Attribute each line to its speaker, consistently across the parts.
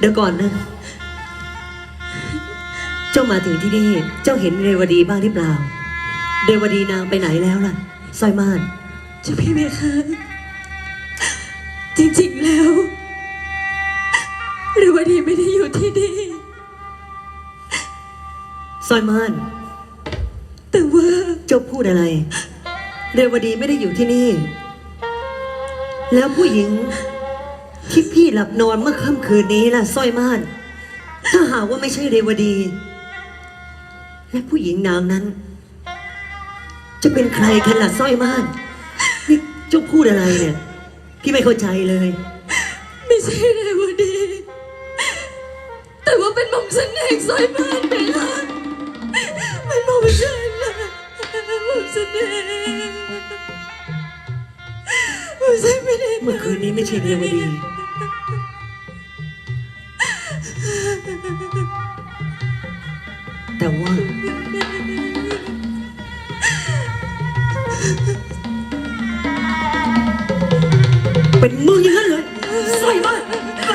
Speaker 1: ดี๋ยวก่อนนะเจ้ามาถึงที่นี่เจ้าเห็นเรวดีบ้างหรือเปล่าเรวดีนางไปไหนแล้วล่ะสร้อยม่าน
Speaker 2: เจ้าพี่เมฆาจริงๆแล้วเรวดีไม่ได้อยู่ที่นี่
Speaker 1: สร้อยม่าน
Speaker 2: แต่ว่า
Speaker 1: เจ้าพูดอะไรเรวดีไม่ได้อยู่ที่นี่แล้วผู้หญิงที่พี่หลับนอนเมื่อค่ำคืนนี้ล่ะสร้อยม่านถ้าหากว่าไม่ใช่เรวดีและผู้หญิงนางนั้นจะเป็นใครกันล่ะสร้อยม่านนี่เจ้าพูดอะไรเนี่ยพี่ไม่เข้าใจเลย
Speaker 2: ไม่ใช่เรวดีแต่ว่าเป็นหม่อมฉันเองสร้อยม่านไปละเป็นหม่อมฉันนะหม่อมฉันเองหม่อมฉันไม่ได้
Speaker 1: เมื่อคืนนี้ไม่ใช่เรวดีแต่ว่าเป็นมึงอย่างนั้นเลยสร้อยม่าน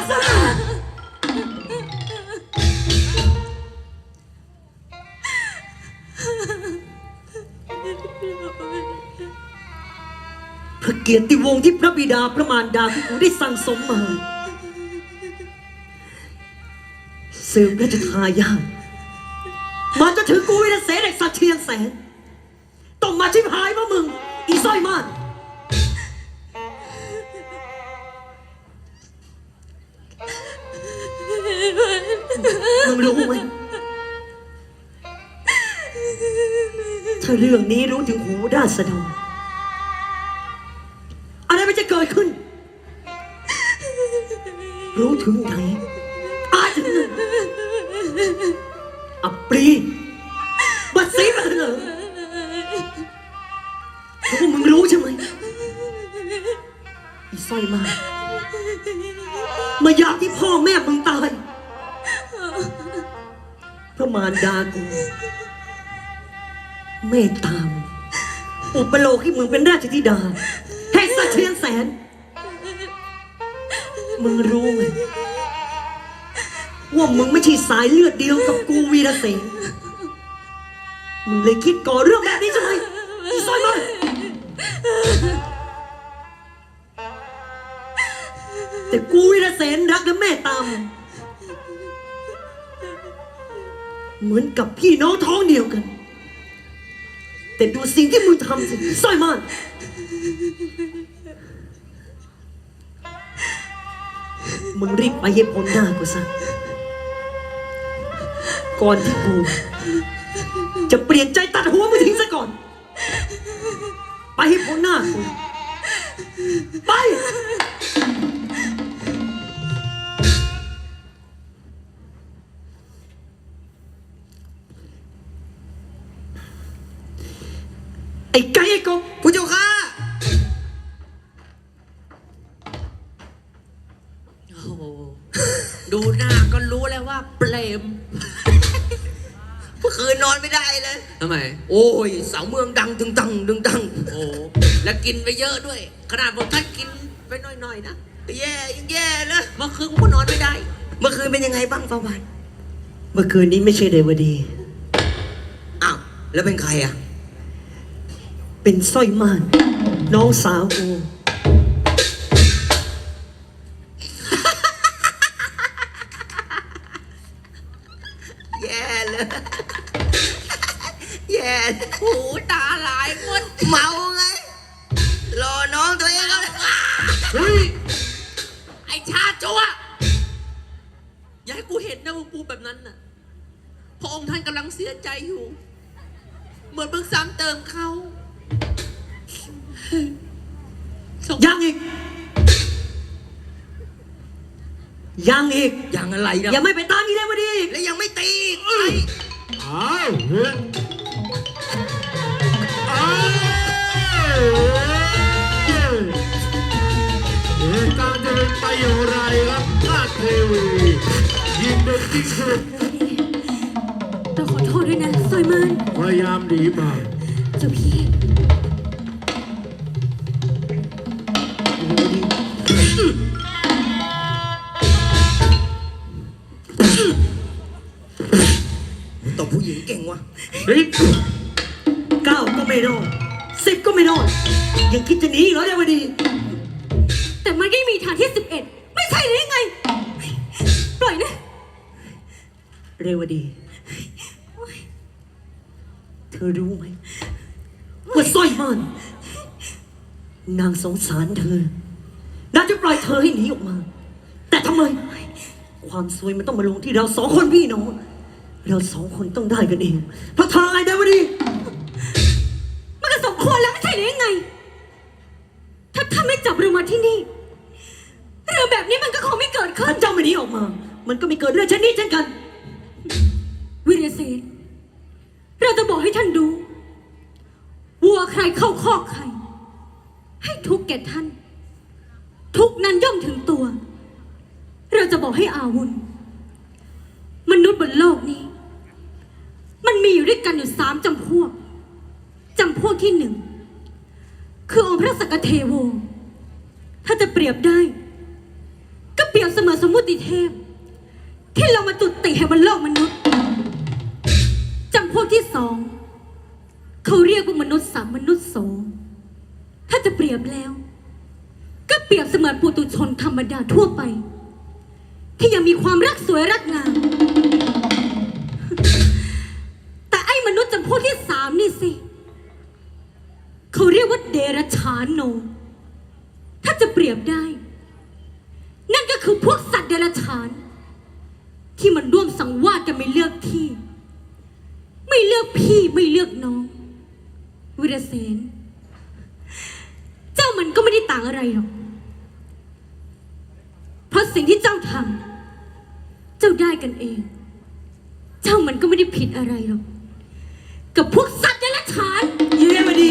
Speaker 1: พระเกียรติวงศ์ที่พระบิดาพระมารดาของกูได้สั่งสมมาสืบราชทายาทมาจนถึงกูวินาเสนเด็กสัตว์เชียงแสนต้องมาชิบหายเพราะมึงอีสร้อยม่านมึงรู้ไหมถ้าเรื่องนี้รู้ถึงหูราษฎรอะไรมันจะเกิดขึ้นรู้ถึงไหนอาจจะอับปรีบัดซีบัดเหลิงเพราะว่ามึงรู้ใช่ไหมอีสร้อยม่านมาอยากที่พ่อแม่มึงตายพระมารดากูเมตตามอุปโลกให้มึงเป็นราชธิดาแห่งสัตว์เชียงแสนมึงรู้ไหมว่ามึงไม่ใช่สายเลือดเดียวกับกูวีรเสนมึงเลยคิดก่อเรื่องแบบนี้ใช่ไหมอีสร้อยม่านแต่กูวีรเสนรักและเมตตามเหมือนกับพี่น้องท้องเดียวกันแต่ดูสิ่งที่มึงทำสิสร้อยม่านมึงรีบไปให้พ้นหน้ากูซะก่อนที่กูจะเปลี่ยนใจตัดหัวมึงทิ้งซะก่อนไปให้พ้นหน้ากูไปไอ้ไก่ไอ้กบผู้เจ้าข้า
Speaker 3: โอ้โหดูหน้าก็รู้แล้วว่าเปรม
Speaker 4: เมื่อคืนนอนไม่ได้เลย
Speaker 3: ทำไม
Speaker 4: โอ้ยเสาเมืองดังดึงตังดึงตัง
Speaker 3: โอ้แล้วกินไปเยอะด้วยขนาดผมท่านกินไปหน่อยๆนะ
Speaker 4: แย่ยังแย่เลย
Speaker 3: เมื่อคืนผมก็นอนไม่ได้
Speaker 4: เมื่อคืนเป็นยังไงบ้างฟ้าวัน
Speaker 1: เมื่อคืนนี้ไม่ใช่เรวดี
Speaker 4: อ้าวแล้วเป็นใครอ่ะ
Speaker 1: เป็นสร้อยม่านน้องสาวกู
Speaker 4: แย่เลยแย่
Speaker 3: หูตาลายหมด
Speaker 4: เมาไงรอน้องตัวเองแล้ว
Speaker 3: เฮ้ยไอชาจัวอย่าให้กูเห็นนะว่ากูแบบนั้นน่ะพระองค์ท่านกำลังเสียใจอยู่เหมือนเพิ่งซ้ำเติมเขา
Speaker 1: ยังอีกยังอีก
Speaker 4: ยังอะไรนะ
Speaker 1: ยังไม่ไปตามอีเรวดี
Speaker 4: และยังไม่ตี
Speaker 5: อ้าวเฮ้ยอ้าวเหตุการณ์จะเป็นไปอย่างไรครับราชเทวียิงเด็กที่สุด
Speaker 2: ต้องขอโทษด้วยนะสร้อยม่าน
Speaker 5: พยายามหนีมา
Speaker 2: เจ้าพี่
Speaker 1: 9 ก็ไม่รอด 10 ก็ไม่รอด ยังคิดจะหนีอีกเหรอเรวดี
Speaker 2: แต่มันก็มีฐานที่ 11 ไม่ใช่หรือยังไง ปล่อยนะ
Speaker 1: เรวดี เธอรู้ไหมว่าสร้อยม่านนางสงสารเธอนางจะปล่อยเธอให้หนีออกมา แต่ทำไม ความซวยมันต้องมาลงที่เราสองคนพี่น้อง เราสองคนต้องได้กันเอง เพราะเธอไอ้เรวดี
Speaker 2: มันก็สมควรแล้วไม่ใช่หรือยังไง ถ้าท่านไม่จับเรามาที่นี่ เรื่องแบบนี้มันก็คงไม่เกิดขึ้
Speaker 1: ถ้าน เจ้าไม่หนีออกมา มันก็ไม่เกิดเรื่องเช่นนี้เช่นกัน
Speaker 2: วิรเสนเราจะบอกให้ท่านรู้วัวใครเข้าคอกใคร ให้ทุกข์แก่ท่าน ทุกข์นั้นย่อมถึงตัว เราจะบอกให้อาวุธมนุษย์บนโลกนี้ มันมีอยู่ด้วยกันอยู่3 จำพวกที่ 1 คือองค์พระสักกเทโว ถ้าจะเปรียบได้ ก็เปรียบเสมือนสมมุติเทพ ที่เรามาจุติให้บนโลกมนุษย์ จำพวกที่ 2เขาเรียกว่ามนุษย์3 มนุษย์โส ถ้าจะเปรียบแล้ว ก็เปรียบเสมือนปุถุชนธรรมดาทั่วไป ที่ยังมีความรักสวยรักงาม แต่ไอ้มนุษย์จำพวกที่ 3นี่สิเขาเรียกว่าเดรัจฉานโน ถ้าจะเปรียบได้ นั่นก็คือพวกสัตว์เดรัจฉาน ที่มันร่วมสังวาสกันไม่เลือกที่ ไม่เลือกพี่ไม่เลือกน้อง วิรเสนเจ้ามันก็ไม่ได้ต่างอะไรหรอก เพราะสิ่งที่เจ้าทำเจ้าได้กันเอง เจ้ามันก็ไม่ได้ผิดอะไรหรอก กับพวกสัตว์เดรัจฉาน
Speaker 1: อีเรวดี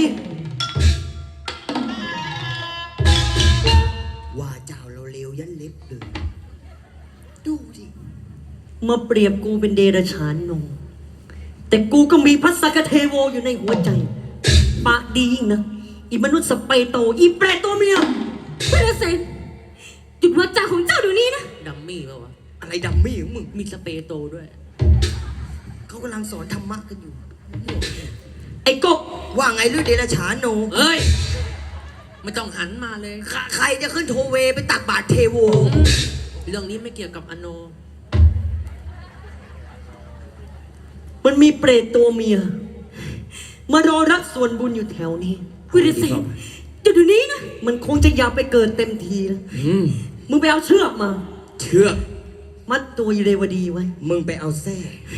Speaker 4: ว่าเจ้าเราเลวยันเล็บเลย ดูดิ
Speaker 1: มาเปรียบกูเป็นเดรัจฉานนงแต่กูก็มีพระสักกเทโวอยู่ในหัวใจ ปากดียิ่งนะอีมนุษย์สเปโต อีแปรตัวเมีย
Speaker 2: วิรเสนหยุดวาจาของเจ้าเดี๋ยวนี้นะ
Speaker 3: ดัมมี่ป่าวะ
Speaker 4: อะไรดัมมี่ของมึง
Speaker 3: มีสเปรย์โตด้วย
Speaker 4: เขากำลังสอนธรรมะกันอยู่
Speaker 1: ไอ้กบ
Speaker 4: ว่าไงลือเดรัจฉานโน
Speaker 3: เอ้ย ไม่ต้องหันมาเลย
Speaker 4: ใครจะขึ้นโทเวไปตักบาตรเทโว
Speaker 3: เรื่องนี้ไม่เกี่ยวกับอโน
Speaker 1: มันมีเปรตตัวเมีย มารอรับส่วนบุญอยู่แถวนี้
Speaker 2: วิรเสนหยุดเดี๋ยวนี้นะ
Speaker 1: มันคงจะอยากไปเกิดเต็มทีแล้วมึงไปเอาเชือกมา
Speaker 4: เชื่อ
Speaker 1: มัดตัวอีเรวดีไว้
Speaker 4: มึงไปเอาแท้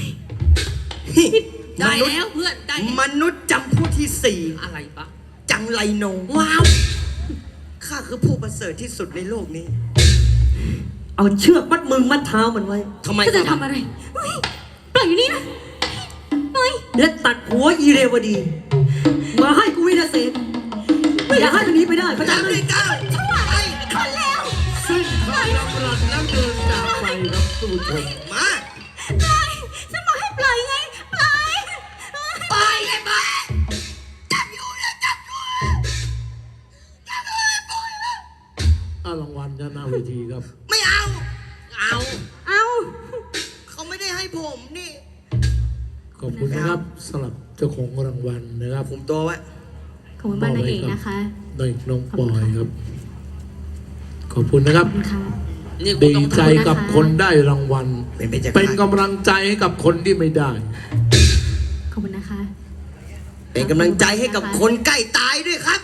Speaker 3: ได้แล้วเพื่อนได้แล้ว
Speaker 4: มนุษย์จำพวกที่
Speaker 3: อะไรปะ
Speaker 4: 4 จังไรโน
Speaker 3: ว้าว
Speaker 4: ข้าคือผู้ประเสริฐที่สุดในโลกนี้
Speaker 1: เอาเชือกมัดมือมัดเท้ามันไว้
Speaker 4: ทำไม
Speaker 2: เจ้าจะทำอะไรเฮ้ยปล่อยอยู่นี่นะปล่อย
Speaker 1: และตัดหัวอีเรวดี มาให้กูวินาเศษอย่าให้มันหนีไปได้เข้าใจ
Speaker 4: จัง
Speaker 1: ไหม
Speaker 4: เลยก้าวไป
Speaker 2: คนแล้ว
Speaker 5: สิ้นคำดำรัสแล้วเดินจากไปครับท่านผู้ชม
Speaker 4: มา
Speaker 2: ปล่อยฉันบอกให้ปล่อยไง ปล่อย
Speaker 4: ไปเลยมาจับอยู่นะจับอยู่จับอยู่ปล่อยนะ
Speaker 5: รางวัลด้านหน้าเวทีครับ
Speaker 4: ไม่เอา
Speaker 3: เอา
Speaker 2: เอา
Speaker 4: เขาไม่ได้ให้ผมนี่
Speaker 5: ขอบคุณนะครับสำหรับเจ้าของรางวัลนะครับ
Speaker 4: ผมตัวไว้
Speaker 2: ขอบคุณมากนางเอกนะคะ
Speaker 5: นายน้องปอยครับ ขอบคุณนะครับ
Speaker 2: ขอบคุณค่ะ
Speaker 3: นี่กู
Speaker 5: ดี
Speaker 3: ต้อง
Speaker 5: ใจกับคนได้รางวัล เป็นกำลังใจให้กับคนที่ไม่ได้
Speaker 2: ขอบคุณนะคะ
Speaker 4: เป็นกำลังใจให้กับคนใกล้ตายด้วยครับ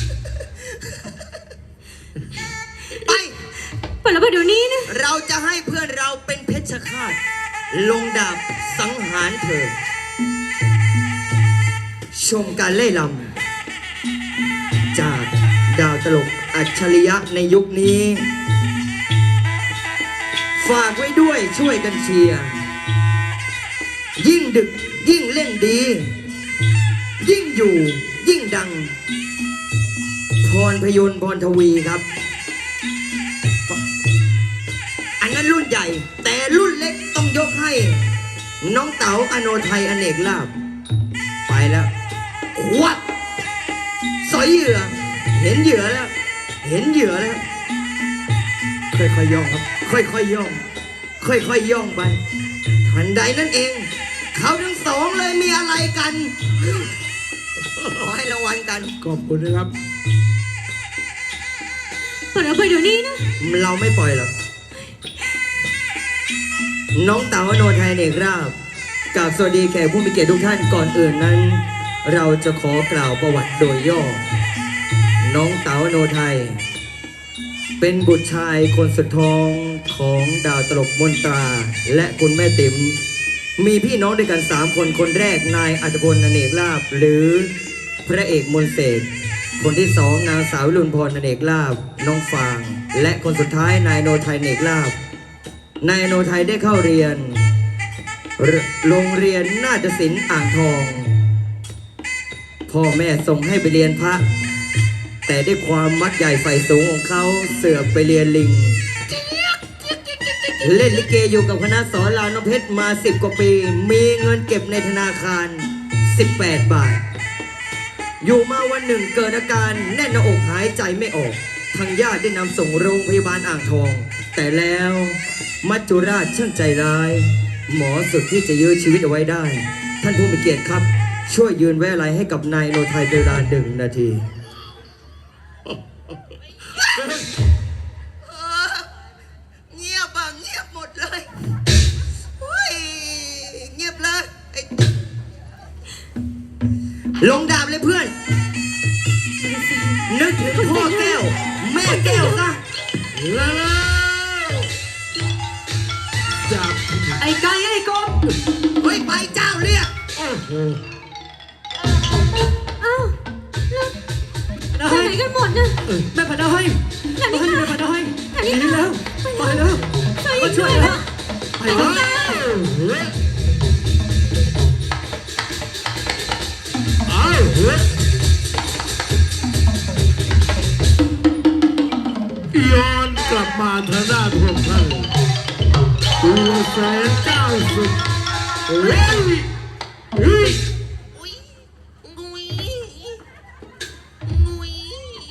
Speaker 4: ไป
Speaker 2: ปล่อยแล้วไปเดี๋ยวนี้นะ
Speaker 4: เราจะให้เพื่อนเราเป็นเพชฌฆาตลงดาบสังหารเธอ ชมการเล่ลำจากดาวตลกอัจฉริยะในยุคนี้ ฝากไว้ด้วยช่วยกันเชียร์ ยิ่งดึกยิ่งเล่นดี ยิ่งอยู่ยิ่งดัง พรพยนต์พรทวีครับ อันนั้นรุ่นใหญ่ แต่รุ่นเล็กต้องยกให้ น้องเต๋าอโนไทยอเนกลาภไปแล้ววัดสอยเหยื่อ เห็นเหยื่อแล้ว เห็นเหยื่อแล้ว ค่อยๆย่องครับ ค่อยๆย่อง ค่อยๆย่องไปทันใดนั่นเอง เขาทั้งสองเลยมีอะไรกัน ขอให้รางวัลกัน
Speaker 5: ขอบคุณนะครับ
Speaker 2: ปล่อยเราไปเดี๋ยวนี้นะ
Speaker 4: เราไม่ปล่อยหรอก น้องเต๋าอโนไทยเอกราบกราบสวัสดีแขกผู้มีเกียรติทุกท่านก่อนอื่นนั้น เราจะขอกล่าวประวัติโดยย่อ น้องเต๋าอโนไทย เป็นบุตรชายคนสุดท้องของดาวตลกมนตรา และคุณแม่ติ๋มมีพี่น้องด้วยกัน3 คนคนแรกนายอัตพลอเนกลาภหรือพระเอกมนต์เสกคนที่2นางสาววิรุณพรอเนกลาภน้องฟาง และคนสุดท้ายนายโนไทยเนกลาภนายโนไทยได้เข้าเรียนโรงเรียนนาฏศิลป์อ่างทอง พ่อแม่ส่งให้ไปเรียนพระ แต่ด้วยความมักใหญ่ไฟสูงของเขาเสือกไปเรียนลิง เล่นลิเกอยู่กับคณะสอนรามน้ำเพชรมา10 กว่าปี มีเงินเก็บในธนาคาร18 บาท อยู่มาวันหนึ่งเกิดอาการแน่นหน้าอกหายใจไม่ออก ทางญาติได้นำส่งโรงพยาบาลอ่างทอง แต่แล้วมัจจุราชช่างใจร้าย หมอสุดที่จะยื้อชีวิตเอาไว้ได้ ท่านผู้มีเกียรติครับ ช่วยยืนไว้อะไรให้กับนายโนไทยเป็นเวลา1 นาที
Speaker 3: เงียบอ่ะเงียบหมดเลยเฮ้ยเงียบเลยไอ้
Speaker 4: ลงดาบเลยเพื่อน นึกถึงพ่อแก้ว แม่แก้วซะ
Speaker 5: แล้วจับ
Speaker 1: ไอ้ไก่ไอ้กบ
Speaker 3: เฮ้ยไปเจ้าเรียก
Speaker 5: โอ้โห
Speaker 2: เอ้าแล้วไปไหนกันหมดนะ
Speaker 1: แม่พันดาให้
Speaker 2: นานิ
Speaker 1: ให้
Speaker 2: ตา
Speaker 1: แม่พันดาให้
Speaker 2: นานิ
Speaker 1: นี่
Speaker 2: ตา
Speaker 1: แล้วไปแล้ว
Speaker 2: ช่วย
Speaker 1: มาช่วย
Speaker 2: แล้
Speaker 1: แล้ว วไปแล้ว
Speaker 5: เอาเฮ้ยย้อนกลับมาทางด้านพวกท่านตัวแสนเก้าสิบเฮ้ยเฮ้ย
Speaker 3: อุ้ยงุยงุย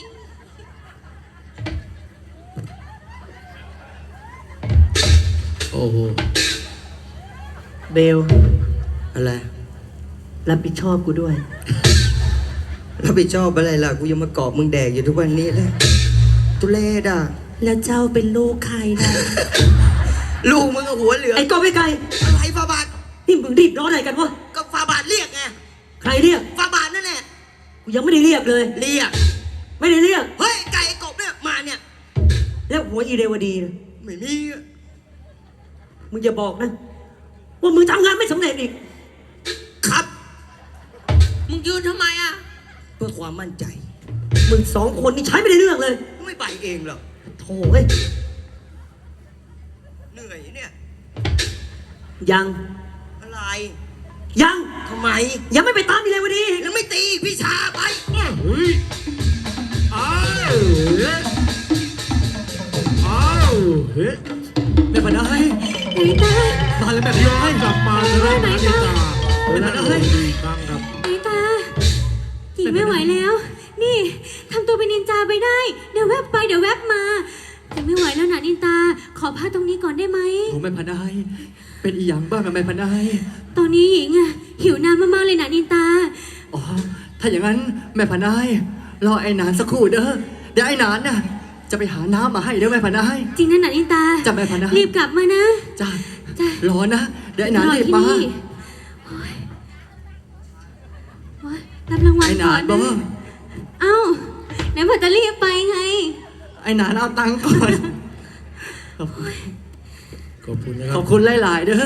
Speaker 5: โอ้โห
Speaker 1: เบล
Speaker 4: อะไร
Speaker 1: รับผิดชอบกูด้วย
Speaker 4: รับผิดชอบอะไรล่ะ กูยังมากอบมึงแดกอยู่ทุกวันนี้เลยตุเลดอ่ะ
Speaker 1: แล้วเจ้าเป็นลูกใครนะ
Speaker 4: ลูกมึงกับหัวเหลือง
Speaker 1: ไอ้กบไอ้ไก่
Speaker 3: อะไรฟาบาท
Speaker 1: นี่มึงรีบร้อนอะไรกันวะ
Speaker 3: ก็ฟาบาทเรียกไง
Speaker 1: ใครเรียก
Speaker 3: ฟาบาทนั่นแหละ
Speaker 1: กูยังไม่ได้เรียกเลย
Speaker 3: เรียก
Speaker 1: ไม่ได้เรียก
Speaker 3: เฮ้ยไก่ไอ้กบเนี่ยมาเนี่ย
Speaker 1: แล้วหัวอีเรวดีนะ
Speaker 3: ไม่มีอะ
Speaker 1: มึงอย่าบอกนะ ว่ามึงทำงานไม่สำเร็จอีก
Speaker 3: ครับ มึงยืนทำไมอ่ะ
Speaker 4: เพื่อความมั่นใจ
Speaker 1: มึง2 คนนี่ใช้ไม่ได้เรื่องเลย
Speaker 4: ไม่ไปเองหรอก
Speaker 1: โถ่เอ้ย
Speaker 4: เหนื่อยเนี่ย
Speaker 1: ยัง
Speaker 4: อะไร
Speaker 1: ยัง
Speaker 4: ทำไม
Speaker 1: ยังไม่ไปตามอีเรวดี
Speaker 3: แล้วไม่ตีพี่ชาไป
Speaker 5: เฮ้ยเอาเฮ้ยเอาเฮ้ย
Speaker 1: แม่พันดาให้
Speaker 2: นานิตา
Speaker 1: มาเลยแม่พัน
Speaker 5: ย้อ
Speaker 1: ดาน ให้
Speaker 5: กลับมาทางด้านนาฬิกาและโอ้ดีครั้งครับ
Speaker 2: นานิตาหญิงไม่ไหวแล้ว นี่ทำตัวเป็นนินจาไปได้ เดี๋ยวแวบไปเดี๋ยวแวบมาแต่ไม่ไหวแล้วนะนินตา ขอพักตรงนี้ก่อนได้ไหม
Speaker 1: โอ้แม่พันดาให้เป็นอีหยังบ้างอะแม่พันดาให้
Speaker 2: ตอนนี้หญิงอะหิวน้ำมากๆเลยนะนินตา
Speaker 1: อ๋อ ถ้าอย่างนั้นแม่พันดาให้รอไอ้หนานสักครู่เด้อ เดี๋ยวไอ้หนานน่ะจะไปหาน้ำมาให้เด้อแม่พันดาให้
Speaker 2: จริงนะนะนินตา
Speaker 1: จ้ะแม่พันดา
Speaker 2: รีบกลับมานะ
Speaker 1: จ้า
Speaker 2: จ้ะ
Speaker 1: รอนะ เดี๋ยวไอ้หนาน
Speaker 2: รอ
Speaker 1: รีบ
Speaker 2: ที่
Speaker 1: มา
Speaker 2: นี่โอ๊ยโอ๊ยรับรางวัล
Speaker 1: ไอ้ห
Speaker 2: ก่
Speaker 1: นา
Speaker 2: อน น
Speaker 1: บอ
Speaker 2: นะ
Speaker 1: ก
Speaker 2: เอ้าไหนบอกจะรีบไปไง
Speaker 1: ไอ้หนานเอาตังค์ก่อน
Speaker 5: ขอบคุณนะค
Speaker 1: ข
Speaker 5: รั
Speaker 1: อบบ คุณหลายๆเด้อ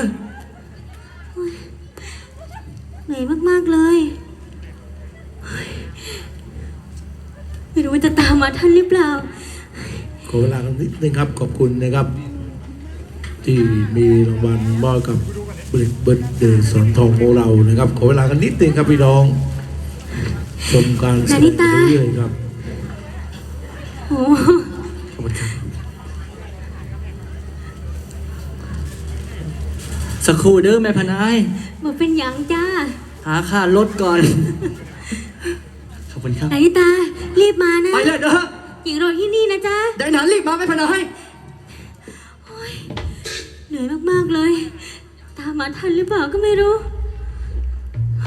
Speaker 2: เหนื่อยมากๆเลยเฮ้ยไม่รู้ว่าจะตามมาทันหรือเปล่า
Speaker 5: ขอเวลากันนิดนึงครับ ขอบคุณนะครับ ที่มีรางวัลมอบกับเบิร์ดเดย์สอนทองโมเรานะครับ ขอเวลากันนิดนึงครับพี่น้อง ชมการแสดงไปเรื่อยๆครับ
Speaker 2: โอ้
Speaker 5: ขอบคุณครับ
Speaker 1: สักครู่เด้อแม่พันดาให้
Speaker 2: บอกเป็นหยังจ้า
Speaker 1: หาค่ารถก่อน ขอบคุณครับ
Speaker 2: นานิตา รีบมานะ
Speaker 1: ไปเลยเด้อ
Speaker 2: หญิงรอที่นี่นะจ๊ะ
Speaker 1: เดี๋ยวไอ้หนานรีบมาแม่พันดาให้
Speaker 2: เหนื่อยมากๆเลย ตามมาทันหรือเปล่าก็ไม่รู้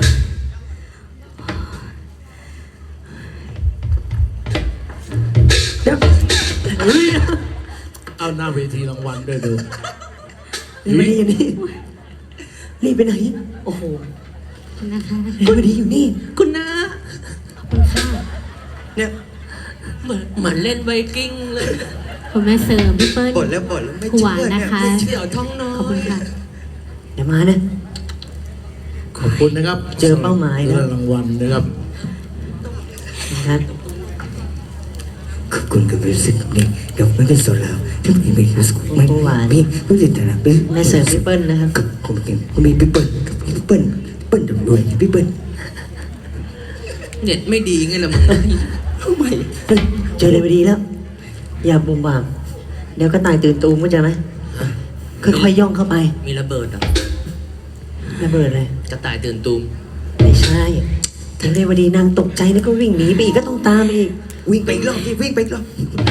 Speaker 5: หน้าเวทีรางวัลด้วยดู
Speaker 1: เรวดีอยู่นี่รีบไปไหน โอ้โห
Speaker 2: นะคะ
Speaker 1: เรวดีอยู่นี่
Speaker 3: คุณน้า
Speaker 2: ขอบคุณค่ะ
Speaker 4: เนี่ย
Speaker 3: เหมือนเล่นไวกิ้งเลย
Speaker 2: คุณแม่เสริมพี่เปิ้ล
Speaker 4: ปลดแล้วปลดแล้วไม่
Speaker 2: หวาน
Speaker 4: เชื่อ
Speaker 2: นะ
Speaker 4: เนี่ย
Speaker 2: คะ
Speaker 3: เสี่ยวท้องน้อ
Speaker 2: ขอบคุณ
Speaker 3: ย
Speaker 2: ค่ะ
Speaker 1: เดี๋ยวมานะ
Speaker 5: ขอบคุณนะครับ
Speaker 1: เจอเป้าหมายแล้ว
Speaker 5: รางวัลนะครับ
Speaker 1: นะครับ
Speaker 4: ขอบคุณกับรู้สึกนี้เดี๋ยวไม่เป็นโซลาวที่มีไม่รู้สึกไม่
Speaker 1: หวาน
Speaker 4: พี่ไม่ได้แต่ละพี่
Speaker 1: แม่เสริมพี่เปิ้ลนะครับ
Speaker 4: กับผมเองผมมีพี่เปิ้ลกับพี่เปิ้ลเปิ้ลด้วยพี่เปิ้ล
Speaker 3: เน็ตไม่ดีไงล่ะมึง
Speaker 4: ทำไม
Speaker 1: เฮ้ยเจอเรวดีแล้ว อย่าบุ่มบ่าม เดี๋ยวก็ตายตื่นตูมเข้าใจไหมค่อยๆย่องเข้าไป
Speaker 3: มีระเบิดเหรอ่ะ
Speaker 1: ระเบิดเลย
Speaker 3: กระต่ายตื่นตูม
Speaker 1: ไม่ใช่ถึงเรวดีนางตกใจแล้วก็วิ่งหนีไปอีกก็ต้องตามไปอีก
Speaker 4: วิ่งไปอีกรอบที่วิ่งไปอีกรอบ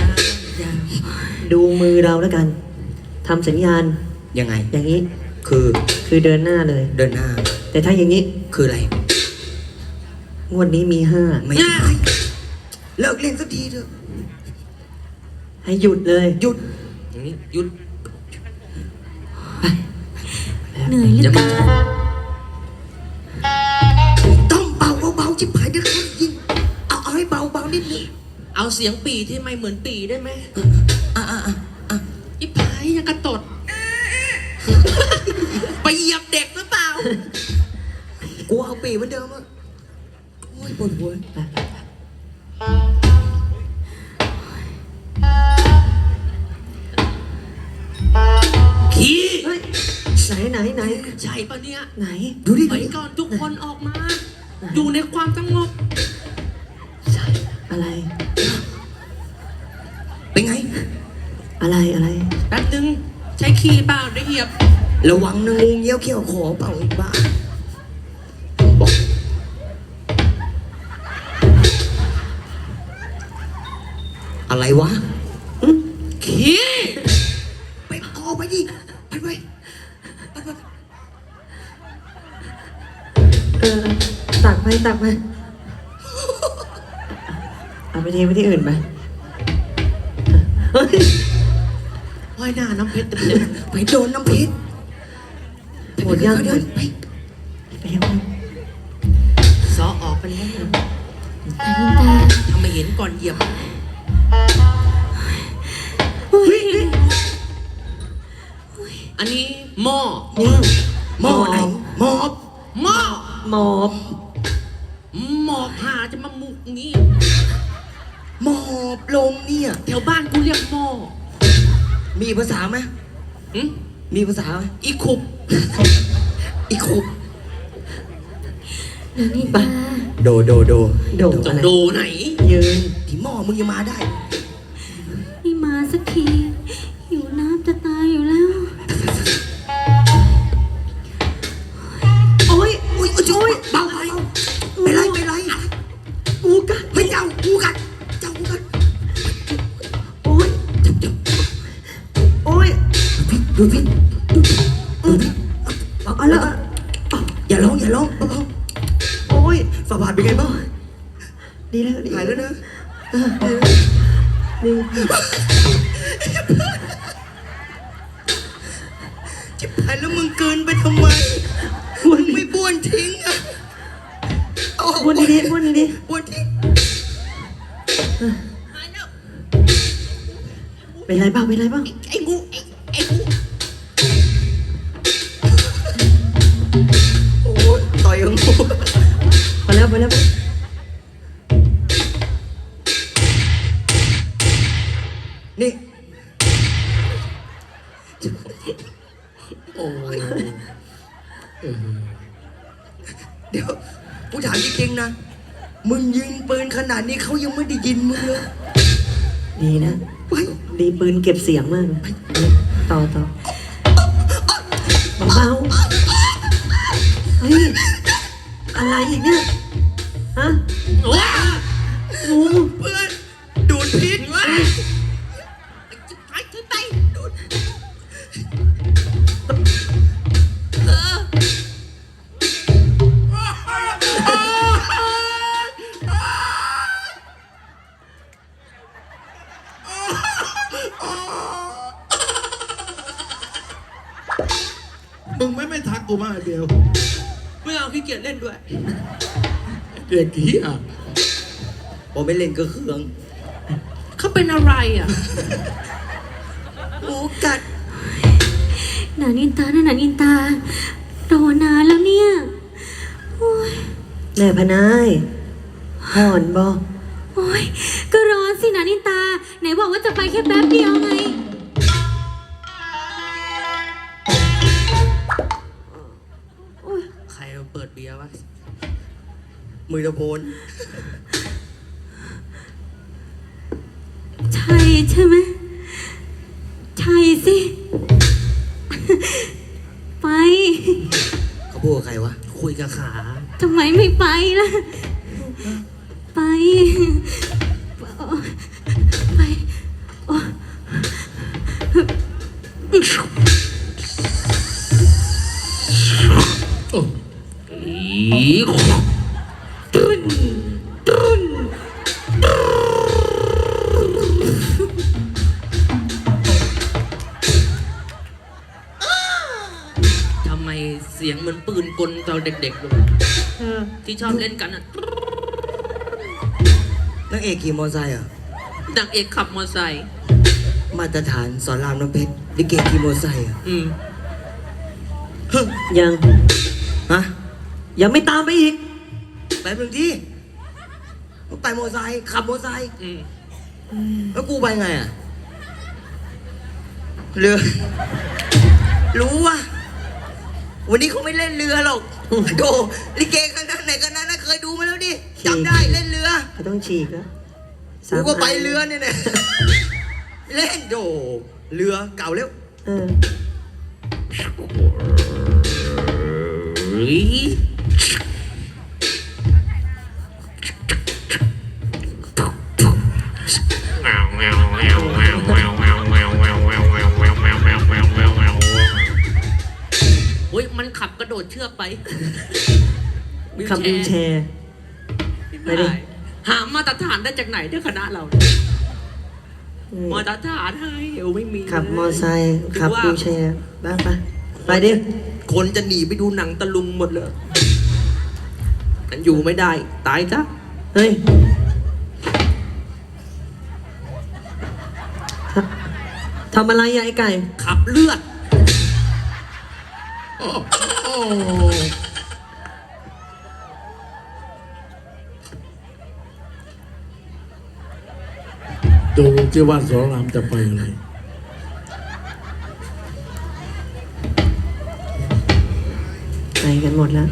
Speaker 1: ดูมือเราแล้วกันทำสัญญาณ
Speaker 4: ยังไง
Speaker 1: อย่างนี้
Speaker 4: คือ
Speaker 1: เดินหน้าเลย
Speaker 4: เดินหน้า
Speaker 1: แต่ถ้าอย่างนี้
Speaker 4: คืออะไร
Speaker 1: งวดนี้มีห้า
Speaker 4: ไม่ใช่เลิกเล่นสักทีเถอะ
Speaker 1: ให้หยุดเลย
Speaker 4: หยุด
Speaker 3: อย่างนี้หยุด
Speaker 2: เหนื่อยเหลื
Speaker 3: จะ
Speaker 2: อ
Speaker 3: มา
Speaker 2: เกิน
Speaker 4: ต้องเบาเบาๆจิบหายเดี๋ยวเขายิงเอาให้เบาเบานิดนึง
Speaker 3: เอาเสียงปีที่ไม่เหมือนปีได้ไหม
Speaker 4: อ่ะ
Speaker 3: อีพายยังกระตด ไปเหยียบเด็กหรือเปล่า
Speaker 4: กูเอาปีเหมือนเดิมอ่ะโอ้ยปวดหัว
Speaker 3: ขี้
Speaker 1: เฮ้ยไหน
Speaker 3: ใช่ปะเนี่ย
Speaker 1: ไหน
Speaker 4: ดูดิ
Speaker 3: ไปก่อนทุกคนออกมา อยู่ในความสงบ
Speaker 1: ใช่อะไร
Speaker 4: เป็นไง
Speaker 1: อะไร
Speaker 3: แป๊บนึง ใช้ขี้เปล่าได้เหยียบ
Speaker 4: ระวังนะงูเงี้ยวเขี้ยวขอเปล่าอีกบ้าบอกอะไรวะ
Speaker 3: ขี้
Speaker 4: ไปออกไปดิไป
Speaker 1: เออตักไปเอาไปทิ้งไปที่อื่นไปเฮ้ย
Speaker 3: ว่ายหน้าน้ำเพชรเต็มเลย
Speaker 4: ไปโดนน้ำพิษ
Speaker 1: หมดยัง
Speaker 4: เดี๋ยวไป
Speaker 1: ไปยัง
Speaker 3: ซอออกไปแล้ว
Speaker 2: ตาลินตา
Speaker 3: ทำไมเห็นก่อนเหยียบ
Speaker 2: เฮ้ย
Speaker 3: อันนี้หม้อ
Speaker 4: หม้อไหนหม้อ
Speaker 3: หม้อ
Speaker 1: หมอบ
Speaker 3: หมอบหาจะมามุกงี้
Speaker 4: หมอบลงเนี่ย
Speaker 3: แถวบ้านกูเรียกหม้อ
Speaker 4: มีภาษาไหม
Speaker 3: หึ
Speaker 4: มีภาษาไหม
Speaker 3: อีคุบ
Speaker 4: อีกคุบ
Speaker 2: ตาลินตา
Speaker 4: โด
Speaker 1: โด
Speaker 3: จะ
Speaker 1: อะไร
Speaker 3: ดูไหน
Speaker 1: ยืน
Speaker 4: ที่หม้อมึงยังมาได้
Speaker 2: ไม่มาสักทีหิวน้ำจะตายอยู่แล้ว
Speaker 1: โอ้ย
Speaker 4: อุ้ยเบาเป็นไรกูกัดไม่เจ้ากูกัดกูกัด
Speaker 1: โอ้ยโอ้ย
Speaker 4: ดูพี่
Speaker 1: เอาละ
Speaker 4: อย่าร้องเบา
Speaker 1: โอ้ย
Speaker 4: ๆฝ่าบาทเป็นไงบ้าง
Speaker 1: ดีแล้ว
Speaker 4: หายแล้วนะ
Speaker 1: ดี
Speaker 4: จิบหายแล้วมึงเกินไปทำไมมึงไม่บ้วนทิ้งอ่ะ
Speaker 1: วนดีๆ
Speaker 4: บ้วนทิ้ง
Speaker 1: เป็นไรบ้าง
Speaker 3: ไอ้งูไอ้งู
Speaker 4: โอ้ยต่อยกับงู
Speaker 1: พอแล้ว
Speaker 4: นี่
Speaker 3: โอ้ย
Speaker 4: เดี๋ยวกูถามจริงๆนะมึงยิงปืนขนาดนี้เขายังไม่ได้ยินมึงเลย
Speaker 1: ดีนะ
Speaker 4: ไป
Speaker 1: ดีปืนเก็บเสียงมากเลยต่อเบาๆเฮ้ย อะไรอีกเนี่ย ฮะ
Speaker 3: ว้า
Speaker 1: งู
Speaker 4: เพื่อนดูดพิษ
Speaker 3: ว้าไปถึงไปดูด
Speaker 5: มึงไม่ทักกูมาเดียว
Speaker 3: ไม่เอาขี้เกียจเล่นด้วย
Speaker 5: เด็กเหี้ย
Speaker 4: พอไม่เล่นก็เคือง
Speaker 3: เขาเป็นอะไรอ่ะ
Speaker 4: หมูกัด
Speaker 2: หนานินตานะหนานินตารอนานแล้วเนี่ยโอ้ย
Speaker 1: แม่พนายห่อนบอ
Speaker 2: โอ้ยก็ร้อนสิหนานินตา ไหนบอกว่าจะไปแค่แป๊บเดียวไง
Speaker 3: ใครเปิดเบียร์วะ
Speaker 4: มือตะโพน
Speaker 2: ใช่ใช่ไหมใช่สิ ไป
Speaker 4: เขาพูดกับใครวะ
Speaker 3: คุยกับขา
Speaker 2: ทำไมไม่ไปล่ะ ไป ไปโอ้
Speaker 3: ทำไมเสียงเหมือนปืนกลตอนเด็กๆเลยที่ชอบเล่นกันอ่ะ
Speaker 4: นางเอกขี่มอเตอร์ไซค์เหรอ่ะ
Speaker 3: นางเอกขับมอเตอร์ไซค์
Speaker 4: มาตรฐานสอนรามน้ำเพชรลิเกขี่มอเตอร์ไซค์เหรอ่ะ
Speaker 3: อืม
Speaker 1: ยัง
Speaker 4: ฮะ
Speaker 1: ยังไม่ตามไปอีก
Speaker 4: ไปเมืองที่ไปมอเตอร์ไซค์ขับมอเตอร์ไซค์
Speaker 3: อืม
Speaker 4: แล้วกูไปไงอ่ะ เรือ รู้ว่า วันนี้เขาไม่เล่นเรือหรอกโดลิเกคณะไหนคณะนั้นเคยดูมาแล้วดิจำได้เล่นเรือ
Speaker 1: เขาต้องฉีกแล้ว
Speaker 4: กูก็ไปเรือเนี่ยนะเล่นโดเรือเก่าแล้ว
Speaker 1: เออ
Speaker 3: เฮ้ยโอ้ยมันขับกระโดดเชือกไป
Speaker 1: ขับวิวแชร์ ไปดิ
Speaker 3: หามาตรฐานได้จากไหนที่คณะเรา
Speaker 1: อืม
Speaker 3: มาตรฐานให้เอวไม่มี
Speaker 1: ขับมอไซค์ขับวิวแชร์บ้างปะไปดิ
Speaker 3: คนจะหนีไปดูหนังตะลุงหมดเลยมันอยู่ไม่ได้ ตายซะ
Speaker 1: เฮ้ยทำอะไรอะไอ้ไก่
Speaker 3: ขับเลือด
Speaker 5: โอ้โอ้ดูที่ว่าสอนรามจะไปอะไร
Speaker 1: ไปกันหมดแล้ว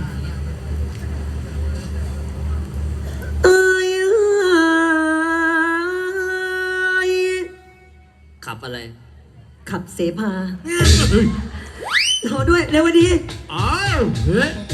Speaker 1: เอ้ยเอ้ย
Speaker 3: ขับอะไร
Speaker 1: ขับเสพา รอด้วย เร็วดี
Speaker 5: อ้าวเฮ้ย